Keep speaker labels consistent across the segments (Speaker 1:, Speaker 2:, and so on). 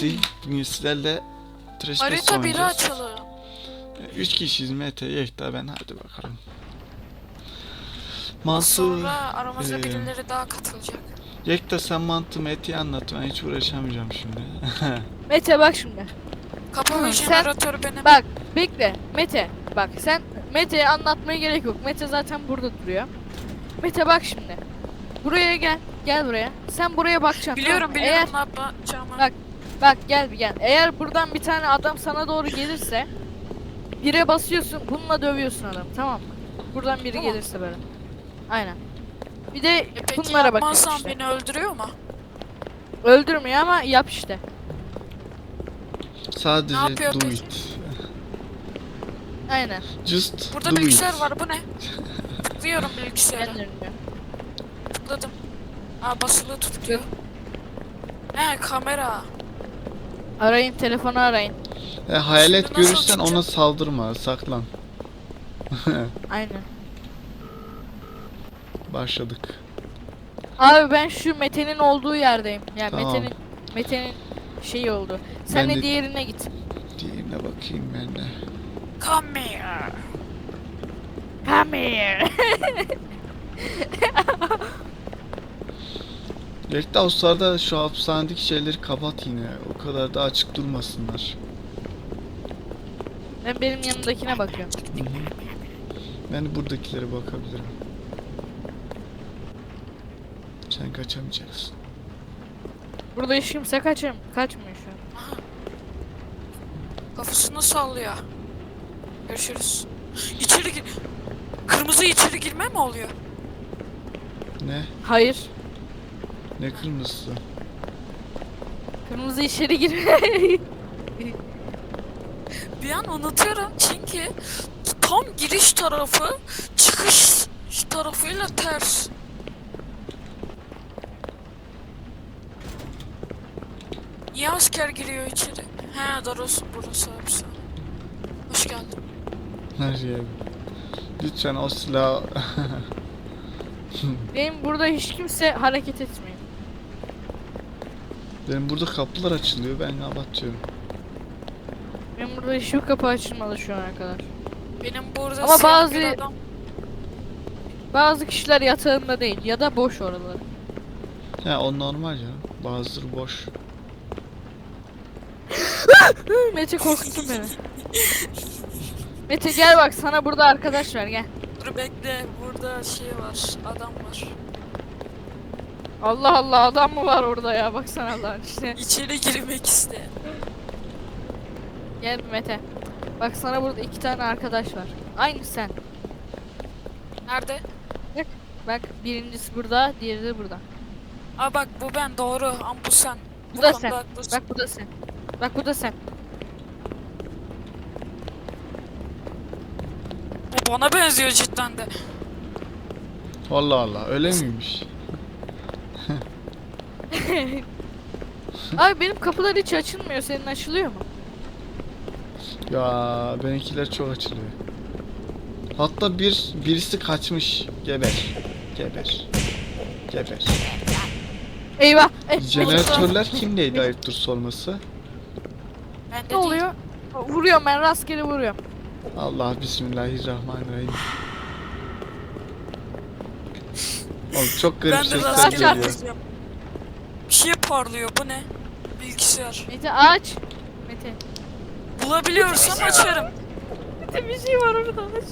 Speaker 1: Bünyesi. Bünyesilerle trash
Speaker 2: Harita biri
Speaker 1: oynayacağız.
Speaker 2: açalım.
Speaker 1: 3 kişiyiz. Mete, Yekta, ben. Hadi bakalım. Mansur.
Speaker 2: Sonra aramızda birileri daha katılacak.
Speaker 1: Yekta sen mantı Mete'yi anlat. Ben hiç uğraşamayacağım şimdi.
Speaker 3: Mete bak şimdi.
Speaker 2: Kapı ve
Speaker 3: Sen-
Speaker 2: jeneratörü benim.
Speaker 3: Bak bekle. Mete bak sen Mete'ye anlatmaya gerek yok. Mete zaten burada duruyor. Mete bak şimdi. Buraya gel. Gel buraya. Sen buraya bakacaksın.
Speaker 2: Biliyorum
Speaker 3: tamam mı?
Speaker 2: biliyorum ne yapacağımı.
Speaker 3: Bak. Bak gel bir gel. Eğer buradan bir tane adam sana doğru gelirse bire basıyorsun. Bununla dövüyorsun adam. Tamam mı? Buradan biri
Speaker 2: Tamam.
Speaker 3: gelirse böyle. Aynen. Bir de
Speaker 2: Peki
Speaker 3: bunlara bakıyorsun
Speaker 2: yapmazsam
Speaker 3: işte.
Speaker 2: beni öldürüyor mu?
Speaker 3: Öldürmüyor ama yap işte.
Speaker 1: Sadece
Speaker 2: Ne yapıyor
Speaker 1: do
Speaker 2: peki?
Speaker 1: it.
Speaker 3: Aynen.
Speaker 1: Just
Speaker 2: Burada
Speaker 1: do
Speaker 2: bilgisayar
Speaker 1: it.
Speaker 2: var, bu ne? Tıklıyorum bilgisayara.
Speaker 3: Ben dönüyor.
Speaker 2: Tıkladım. Aa, basılı tut diyor. He, kamera.
Speaker 3: Arayın, telefonu arayın.
Speaker 1: Hayalet
Speaker 2: Şimdi nasıl
Speaker 1: görürsen ona
Speaker 2: çıkacak?
Speaker 1: saldırma, saklan.
Speaker 3: Aynen.
Speaker 1: Başladık.
Speaker 3: Abi ben şu Mete'nin olduğu yerdeyim. Yani
Speaker 1: Tamam.
Speaker 3: Mete'nin şeyi oldu.
Speaker 1: Ben
Speaker 3: Sen
Speaker 1: de-
Speaker 3: de diğerine git.
Speaker 1: Diğerine bakayım ben de.
Speaker 2: Come here.
Speaker 3: Come here.
Speaker 1: Yekta o sırada şu hapishanedeki şeyleri kapat yine. O kadar da açık durmasınlar.
Speaker 3: Ben benim yanımdakine bakıyorum.
Speaker 1: Hı hı. Ben de buradakilere bakabilirim. Sen kaçamayacaksın.
Speaker 3: Burada hiç kimse kaçmıyor şu an.
Speaker 2: Aha. Kafasını sallıyor. Görüşürüz. İçeri gir. Kırmızı içeri girme mi oluyor?
Speaker 1: Ne?
Speaker 3: Hayır.
Speaker 1: Ne kırmızısı?
Speaker 3: Kırmızı içeri girme.
Speaker 2: Bir an unutuyorum çünkü tam giriş tarafı çıkış tarafıyla ters. Niye asker giriyor içeri? He, Daros burası hapishane. Hoş geldin.
Speaker 1: Nereye? Lütfen o silahı...
Speaker 3: Benim burada hiç kimse hareket etmiyor.
Speaker 1: Benim burada kapılar açılıyor, ben kapatıyorum.
Speaker 3: Benim burada hiçbir kapı açılmadı şu ana kadar.
Speaker 2: Benim burada
Speaker 3: Ama
Speaker 2: siyah
Speaker 3: bazı-
Speaker 2: bir adam.
Speaker 3: Bazı kişiler yatağında değil ya da boş oraları.
Speaker 1: Ya o normal ya. Bazıları boş.
Speaker 3: Mete korkuttun beni. Mete gel bak sana burada arkadaş var gel.
Speaker 2: Dur bekle, burada şey var, adam var.
Speaker 3: Allah Allah adam mı var orada ya baksana Allah'ın işte.
Speaker 2: İçeri girmek isteyen.
Speaker 3: Gel Mete. Bak sana burada 2 tane arkadaş var. Aynı sen.
Speaker 2: Nerede?
Speaker 3: Bak birincisi burada, diğeri de burada.
Speaker 2: Aa bak, bu ben, doğru, ama bu sen.
Speaker 3: Bu da
Speaker 2: konuda
Speaker 3: sen.
Speaker 2: haklısın.
Speaker 3: Bak bu da sen. Bak bu da sen.
Speaker 2: Bu bana benziyor cidden de.
Speaker 1: Allah Allah, öyle miymiş?
Speaker 3: Abi benim kapılar hiç açılmıyor. Senin açılıyor mu?
Speaker 1: Ya benimkiler çok açılıyor. Hatta birisi kaçmış. Geber. Geber. Geber.
Speaker 3: Eyvah.
Speaker 1: Jeneratörler kimdeydi ayıptır sorması?
Speaker 2: Ben de
Speaker 3: Ne
Speaker 2: değil.
Speaker 3: oluyor? Vuruyorum ben rastgele vuruyorum.
Speaker 1: Allah bismillahirrahmanirrahim. Oğlum çok garip
Speaker 2: Ben de
Speaker 1: sesler
Speaker 2: rastgele
Speaker 1: geliyor.
Speaker 2: atacağım. Bir şey parlıyor, bu ne? Bilgisayar.
Speaker 3: Mete aç. Mete.
Speaker 2: Bulabiliyorsam açarım.
Speaker 3: Mete bir şey var orada aç.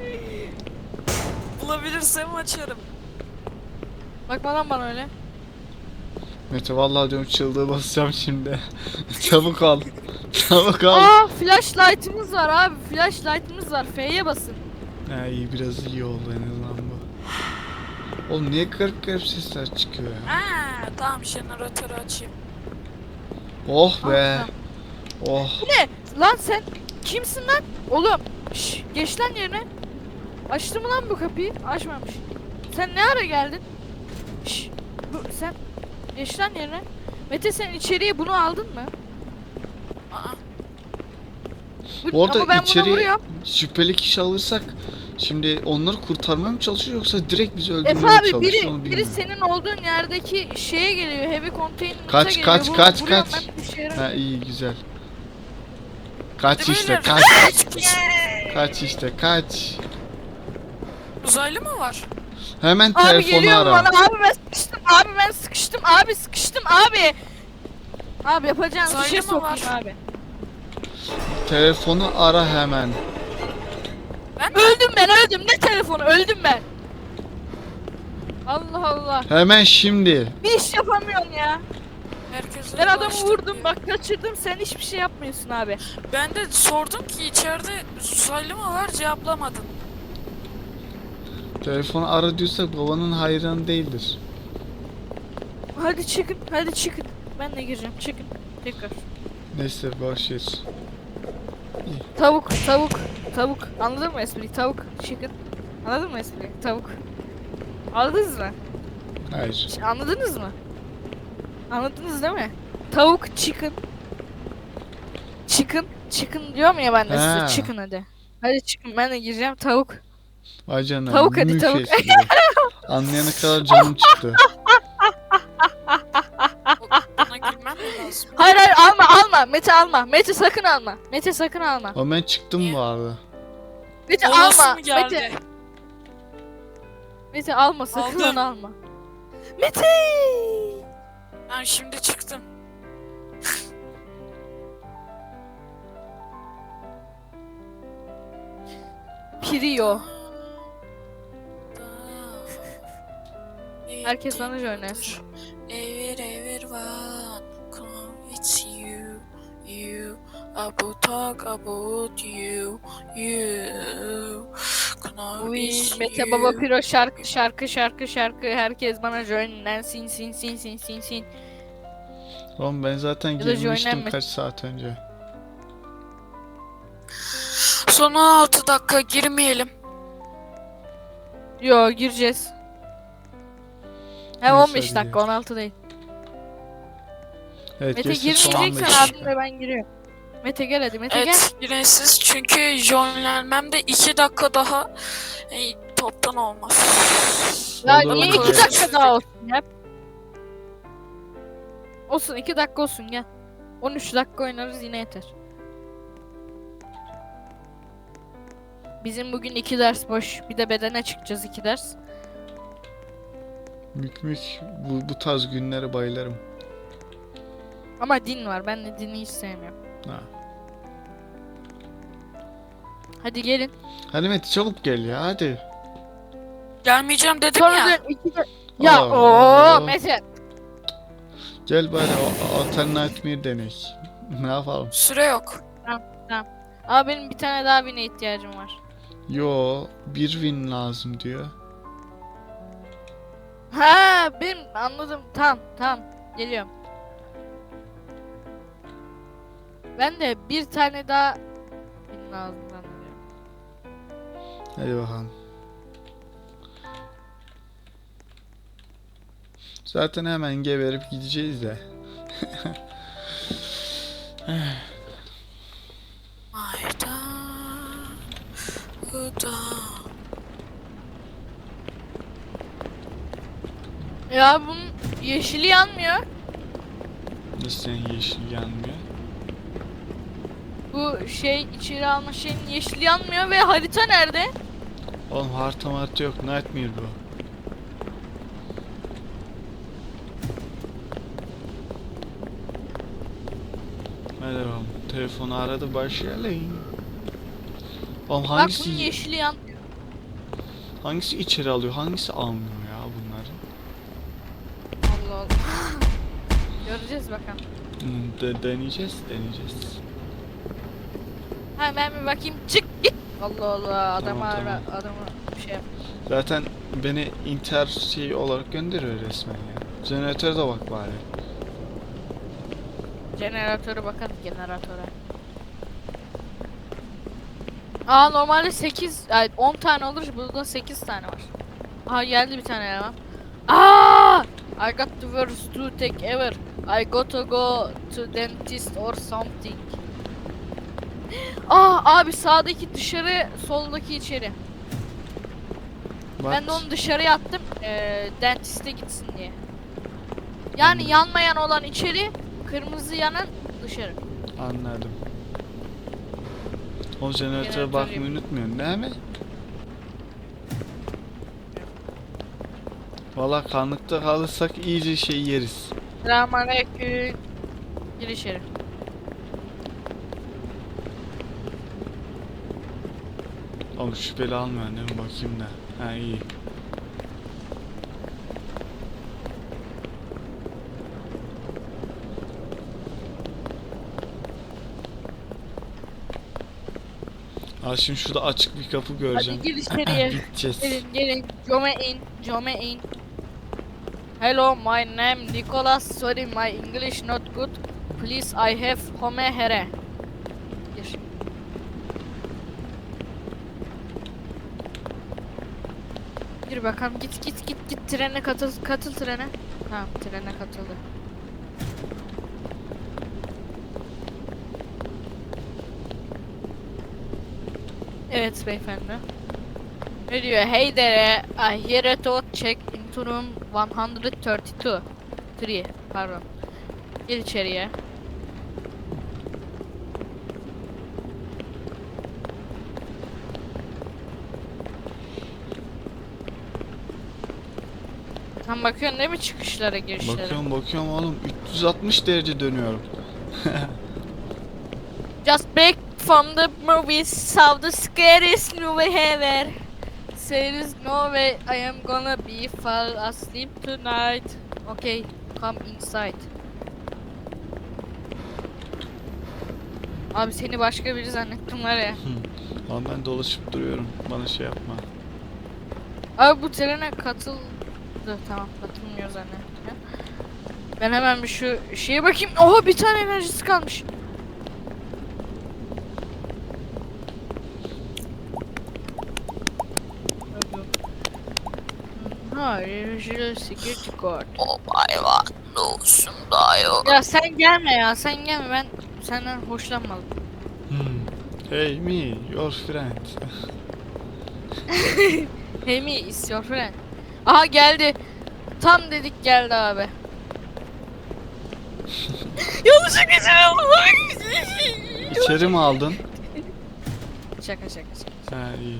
Speaker 2: Bulabilirsem açarım.
Speaker 3: Bakma lan bana öyle.
Speaker 1: Mete vallahi diyorum çıldığı basacağım şimdi. Çabuk al. Çabuk al.
Speaker 3: Aa flashlight'ımız var abi. Flashlight'ımız var. F'ye basın.
Speaker 1: Ha iyi biraz iyi oldu en azından bu. Oğlum niye garip garip sesler çıkıyor ya?
Speaker 2: Aa, tamam, jeneratörü açayım.
Speaker 1: Oh be.
Speaker 3: Tamam.
Speaker 1: Oh.
Speaker 3: Lan sen kimsin lan? Oğlum. Şş, geç lan yerine. Açtı mı lan bu kapıyı? Açmamış. Sen ne ara geldin? Şş, sen geç lan yerine. Mete sen içeriye bunu aldın mı?
Speaker 2: Aa,
Speaker 1: Bu arada
Speaker 3: ama ben buna
Speaker 1: içeri
Speaker 3: vuruyorum.
Speaker 1: şüpheli kişi alırsak şimdi onları kurtarmaya mı çalışıyor yoksa direkt bizi
Speaker 3: Efe
Speaker 1: öldürmeye mi
Speaker 3: abi
Speaker 1: çalışıyor
Speaker 3: biri
Speaker 1: onu
Speaker 3: biri
Speaker 1: bilmiyorum.
Speaker 3: senin olduğun yerdeki şeye geliyor. Heavy container'a
Speaker 1: Kaç,
Speaker 3: geliyor.
Speaker 1: kaç, kaç,
Speaker 3: Vuruyorum
Speaker 1: kaç.
Speaker 3: ben, bir işe yaramıyor.
Speaker 1: Ha iyi güzel. Kaç
Speaker 2: Hadi
Speaker 1: işte
Speaker 2: beyler,
Speaker 1: kaç.
Speaker 2: kaç kişi?
Speaker 1: Kaç işte kaç.
Speaker 2: Uzaylı mı var?
Speaker 1: Hemen
Speaker 3: Abi
Speaker 1: telefonu
Speaker 3: geliyor
Speaker 1: ara.
Speaker 3: bana. Abi ben sıkıştım. Abi ben sıkıştım. Abi sıkıştım abi. Abi yapacağınız
Speaker 2: Uzaylı
Speaker 3: şey
Speaker 2: mı
Speaker 3: sokayım
Speaker 2: var?
Speaker 3: abi.
Speaker 1: Telefonu ara hemen.
Speaker 2: Ben
Speaker 3: Öldüm ben öldüm. Ne telefonu? Öldüm ben. Allah Allah.
Speaker 1: Hemen şimdi.
Speaker 3: Bir iş yapamıyorum ya.
Speaker 2: herkese
Speaker 3: Ben adamı
Speaker 2: ulaştım
Speaker 3: vurdum
Speaker 2: diyor.
Speaker 3: bak kaçırdım. Sen hiçbir şey yapmıyorsun abi.
Speaker 2: Ben de sordum ki içeride uzaylı mı var, cevaplamadın.
Speaker 1: Telefonu ara diyorsak babanın hayranı değildir.
Speaker 3: Hadi çıkın. Hadi çıkın. Ben de gireceğim. Çıkın. Tekrar.
Speaker 1: Neyse boş ver.
Speaker 3: Tavuk. Tavuk. Tavuk. Anladın mı espriyi? Tavuk. Çıkın. Anladın mı espriyi? Tavuk. Anladınız mı?
Speaker 1: Hayır.
Speaker 3: Anladınız mı? Anladınız değil mi? Tavuk chicken. Chicken. Chicken diyorum ya ben de
Speaker 1: Ha.
Speaker 3: size. Chicken hadi. Hadi chicken ben de gireceğim tavuk.
Speaker 1: Vay canına.
Speaker 3: Tavuk hadi,
Speaker 1: mük
Speaker 3: tavuk.
Speaker 1: espri. Anlayana kadar canım çıktı.
Speaker 2: Buna gülmem mi lazım?
Speaker 3: Hayır hayır alma alma. Mete alma. Mete sakın alma. Mete sakın alma.
Speaker 1: Ama ben çıktım bu arada.
Speaker 3: Mete
Speaker 2: Olası
Speaker 3: alma.
Speaker 2: mı geldi?
Speaker 3: Mete. Mete alma sakın
Speaker 2: Aldım.
Speaker 3: onu alma. Mete.
Speaker 2: Ben şimdi çıktım.
Speaker 3: Pirio. Herkes bana oynasın.
Speaker 2: Every one come it's you, you. I will talk about you, you. Come
Speaker 3: Uy,
Speaker 2: it's
Speaker 3: Mete
Speaker 2: you.
Speaker 3: Baba Piro şarkı herkes bana joinlensin sin.
Speaker 1: Oğlum ben zaten
Speaker 3: Ya da
Speaker 1: girmiştim
Speaker 3: joinlenme.
Speaker 1: kaç saat önce.
Speaker 2: Son 16 dakika girmeyelim.
Speaker 3: Yo gireceğiz. He
Speaker 1: Neyse,
Speaker 3: 15
Speaker 1: hadi
Speaker 3: dakika
Speaker 1: gel.
Speaker 3: 16 değil.
Speaker 1: Evet
Speaker 3: Mete
Speaker 1: geçti son 15
Speaker 3: girmeyeceksen
Speaker 1: dakika.
Speaker 3: abimle ben giriyorum. Mete gel hadi Mete gel.
Speaker 2: Evet, girin siz çünkü jonlenmemde 2 dakika daha toptan olmaz.
Speaker 3: Ya
Speaker 1: Olur,
Speaker 3: niye
Speaker 1: olur.
Speaker 3: 2 dakika daha olsun ya? Olsun 2 dakika olsun gel. 13 dakika oynarız yine yeter. Bizim bugün 2 ders boş. Bir de bedene çıkacağız 2 ders.
Speaker 1: Mük bu tarz günlere bayılırım.
Speaker 3: Ama din var. Ben de dini hiç sevmiyorum.
Speaker 1: Ha.
Speaker 3: Hadi gelin.
Speaker 1: Hadi Mete çabuk gel ya hadi.
Speaker 2: Gelmeyeceğim dedim
Speaker 3: Sonra
Speaker 2: ya.
Speaker 3: dön 2 de... Ya
Speaker 1: Allah.
Speaker 3: ooo Mete.
Speaker 1: Gel bari Alternate denek. Ne yapalım?
Speaker 2: Süre yok.
Speaker 3: Ama benim bir tane daha birine ihtiyacım var.
Speaker 1: Yo bir win lazım diyor.
Speaker 3: Ha benim anladım. Tamam geliyorum. Ben de bir tane daha bin lazım zannediyorum.
Speaker 1: Hadi bakalım. Zaten hemen geberip gideceğiz de.
Speaker 2: Ayda, uda.
Speaker 3: Ya bunun yeşili yanmıyor.
Speaker 1: Nasıl senin yeşil yanmıyor?
Speaker 3: Bu şey içeri alma şeyinin yeşili yanmıyor ve harita nerede?
Speaker 1: Oğlum harita yok. Nightmare bu. Hadi bakalım. Telefonu aradı başlayalım. Oğlum
Speaker 3: Bak
Speaker 1: hangisi
Speaker 3: bunun yeşili yanmıyor.
Speaker 1: hangisi içeri alıyor? Hangisi almıyor ya bunları?
Speaker 3: Allah Allah. Göreceğiz bakalım.
Speaker 1: Deneyeceğiz.
Speaker 3: Ha ben bir bakayım çık git. Allah Allah adama
Speaker 1: Tamam,
Speaker 3: ara adama bir şey yap.
Speaker 1: Zaten beni inter şey olarak gönderiyor resmen ya. Jeneratöre de bak bari.
Speaker 3: Jeneratöre bakalım jeneratöre. Aa normalde 8 ay 10 tane olur burada 8 tane var. Aha geldi bir tane eleman. Aa! I got the worst toothache ever. I got to go to dentist or something. Aa abi sağdaki dışarı, soldaki içeri.
Speaker 1: Bak.
Speaker 3: Ben de onu dışarıya attım. Dentiste gitsin diye. Yani
Speaker 1: Anladım.
Speaker 3: yanmayan olan içeri, kırmızı yanan dışarı.
Speaker 1: Anladım. O jeneratöre
Speaker 3: Jeneratör
Speaker 1: bakmayı
Speaker 3: yapayım.
Speaker 1: unutmuyorsun değil mi? Valla kanlıkta kalırsak iyice şey yeriz.
Speaker 3: Selamünaleyküm. Gir içeri.
Speaker 1: Oğlum şüpheli almıyor değil mi? Bakayım da. Ha iyi. Aa şimdi şurada açık bir kapı göreceğim.
Speaker 3: Hadi gir içeriye.
Speaker 1: Gideceğiz.
Speaker 3: Gelin. Jome in. Hello, my name Nicholas. Sorry, my English not good. Please, I have home here. Gir. Gir bakalım. Git trene katıl trene. Tamam, trene katıldı. Evet beyefendi. Ne diyor? Hey there, I hear a thought check into room 132. 3, pardon. Gel içeriye. Tam bakıyorsun değil mi çıkışlara, girişlere?
Speaker 1: Bakıyorum oğlum 360 derece dönüyorum.
Speaker 3: Just break from the movies, saw the scariest movie ever. There is no way I am gonna be fall asleep tonight. Okay, come inside. Abi seni başka biri zannettim var ya.
Speaker 1: Ama ben dolaşıp duruyorum. Bana şey yapma.
Speaker 3: Abi bu trene katıldı. Tamam, katılmıyor zannettim ya. Ben hemen bir şu şeye bakayım. Oha, bir tane enerjisi kalmış. Hayır, security card.
Speaker 2: O hayvan olsun da yok.
Speaker 3: Ya sen gelme ya, sen gelme, ben senden hoşlanmadım.
Speaker 1: Hey me, your friend.
Speaker 3: Hey me, is your friend. Aha geldi. Tam dedik geldi abi. Yanlışlıkla içeri aldım.
Speaker 1: İçeri mi aldın?
Speaker 3: Şaka.
Speaker 1: Ha iyi.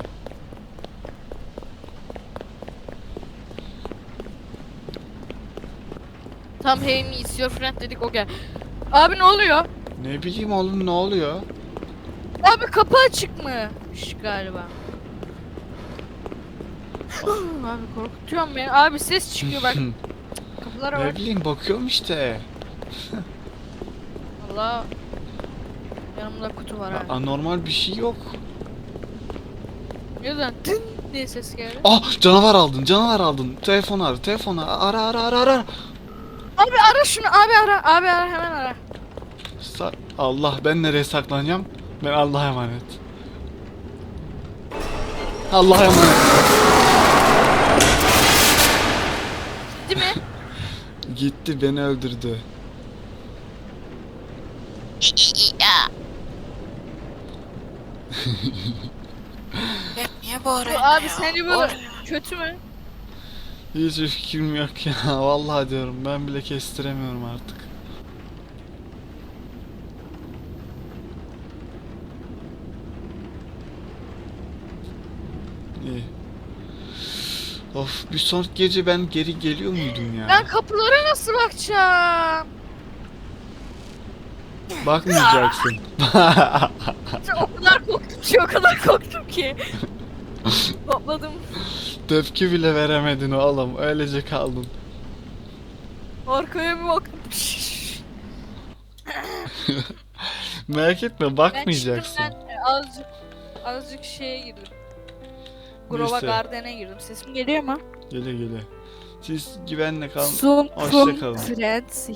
Speaker 3: Tam hey me, is your friend dedik, o gel. Abi ne oluyor?
Speaker 1: Ne bileyim oğlum ne oluyor?
Speaker 3: Abi kapı açık mı? Galiba. Abi korkutuyorsun beni. Abi ses çıkıyor bak. Kapılara
Speaker 1: Ne
Speaker 3: bak.
Speaker 1: bileyim bakıyorum işte.
Speaker 3: Allah. Yanımda kutu var abi.
Speaker 1: Anormal bir şey yok.
Speaker 3: Neden? Tın diye ses geldi.
Speaker 1: Ah canavar aldın. Telefonu ara.
Speaker 3: Abi ara şunu, abi ara, hemen ara.
Speaker 1: Allah ben nereye saklanacağım? Ben Allah'a emanet. Allah'a emanet.
Speaker 3: Değil mi?
Speaker 1: Gitti beni öldürdü.
Speaker 2: Ya. Hep niye bağırıyorsun
Speaker 3: Abi
Speaker 2: ya?
Speaker 3: seni böyle
Speaker 2: Bağırıyor.
Speaker 3: kötü mü?
Speaker 1: Hiç fikrim yok ya. Vallahi diyorum ben bile kestiremiyorum artık. İyi. Of bir sonraki gece ben geri geliyor muydum ya?
Speaker 3: Ben kapılara nasıl bakacağım?
Speaker 1: Bakmayacaksın.
Speaker 3: O kadar korktum ki. Topladım.
Speaker 1: Tepki bile veremedin oğlum. Öylece kaldın.
Speaker 3: Arkaya bir baktım.
Speaker 1: Merak etme
Speaker 3: Ben çıktım,
Speaker 1: bakmayacaksın.
Speaker 3: ben azıcık şeye girdim. Grova
Speaker 1: Neyse.
Speaker 3: Garden'e girdim. Sesim geliyor mu?
Speaker 1: Gele. Siz güvenle kalın.
Speaker 3: Soon
Speaker 1: Hoşça
Speaker 3: from
Speaker 1: kalın.
Speaker 3: friends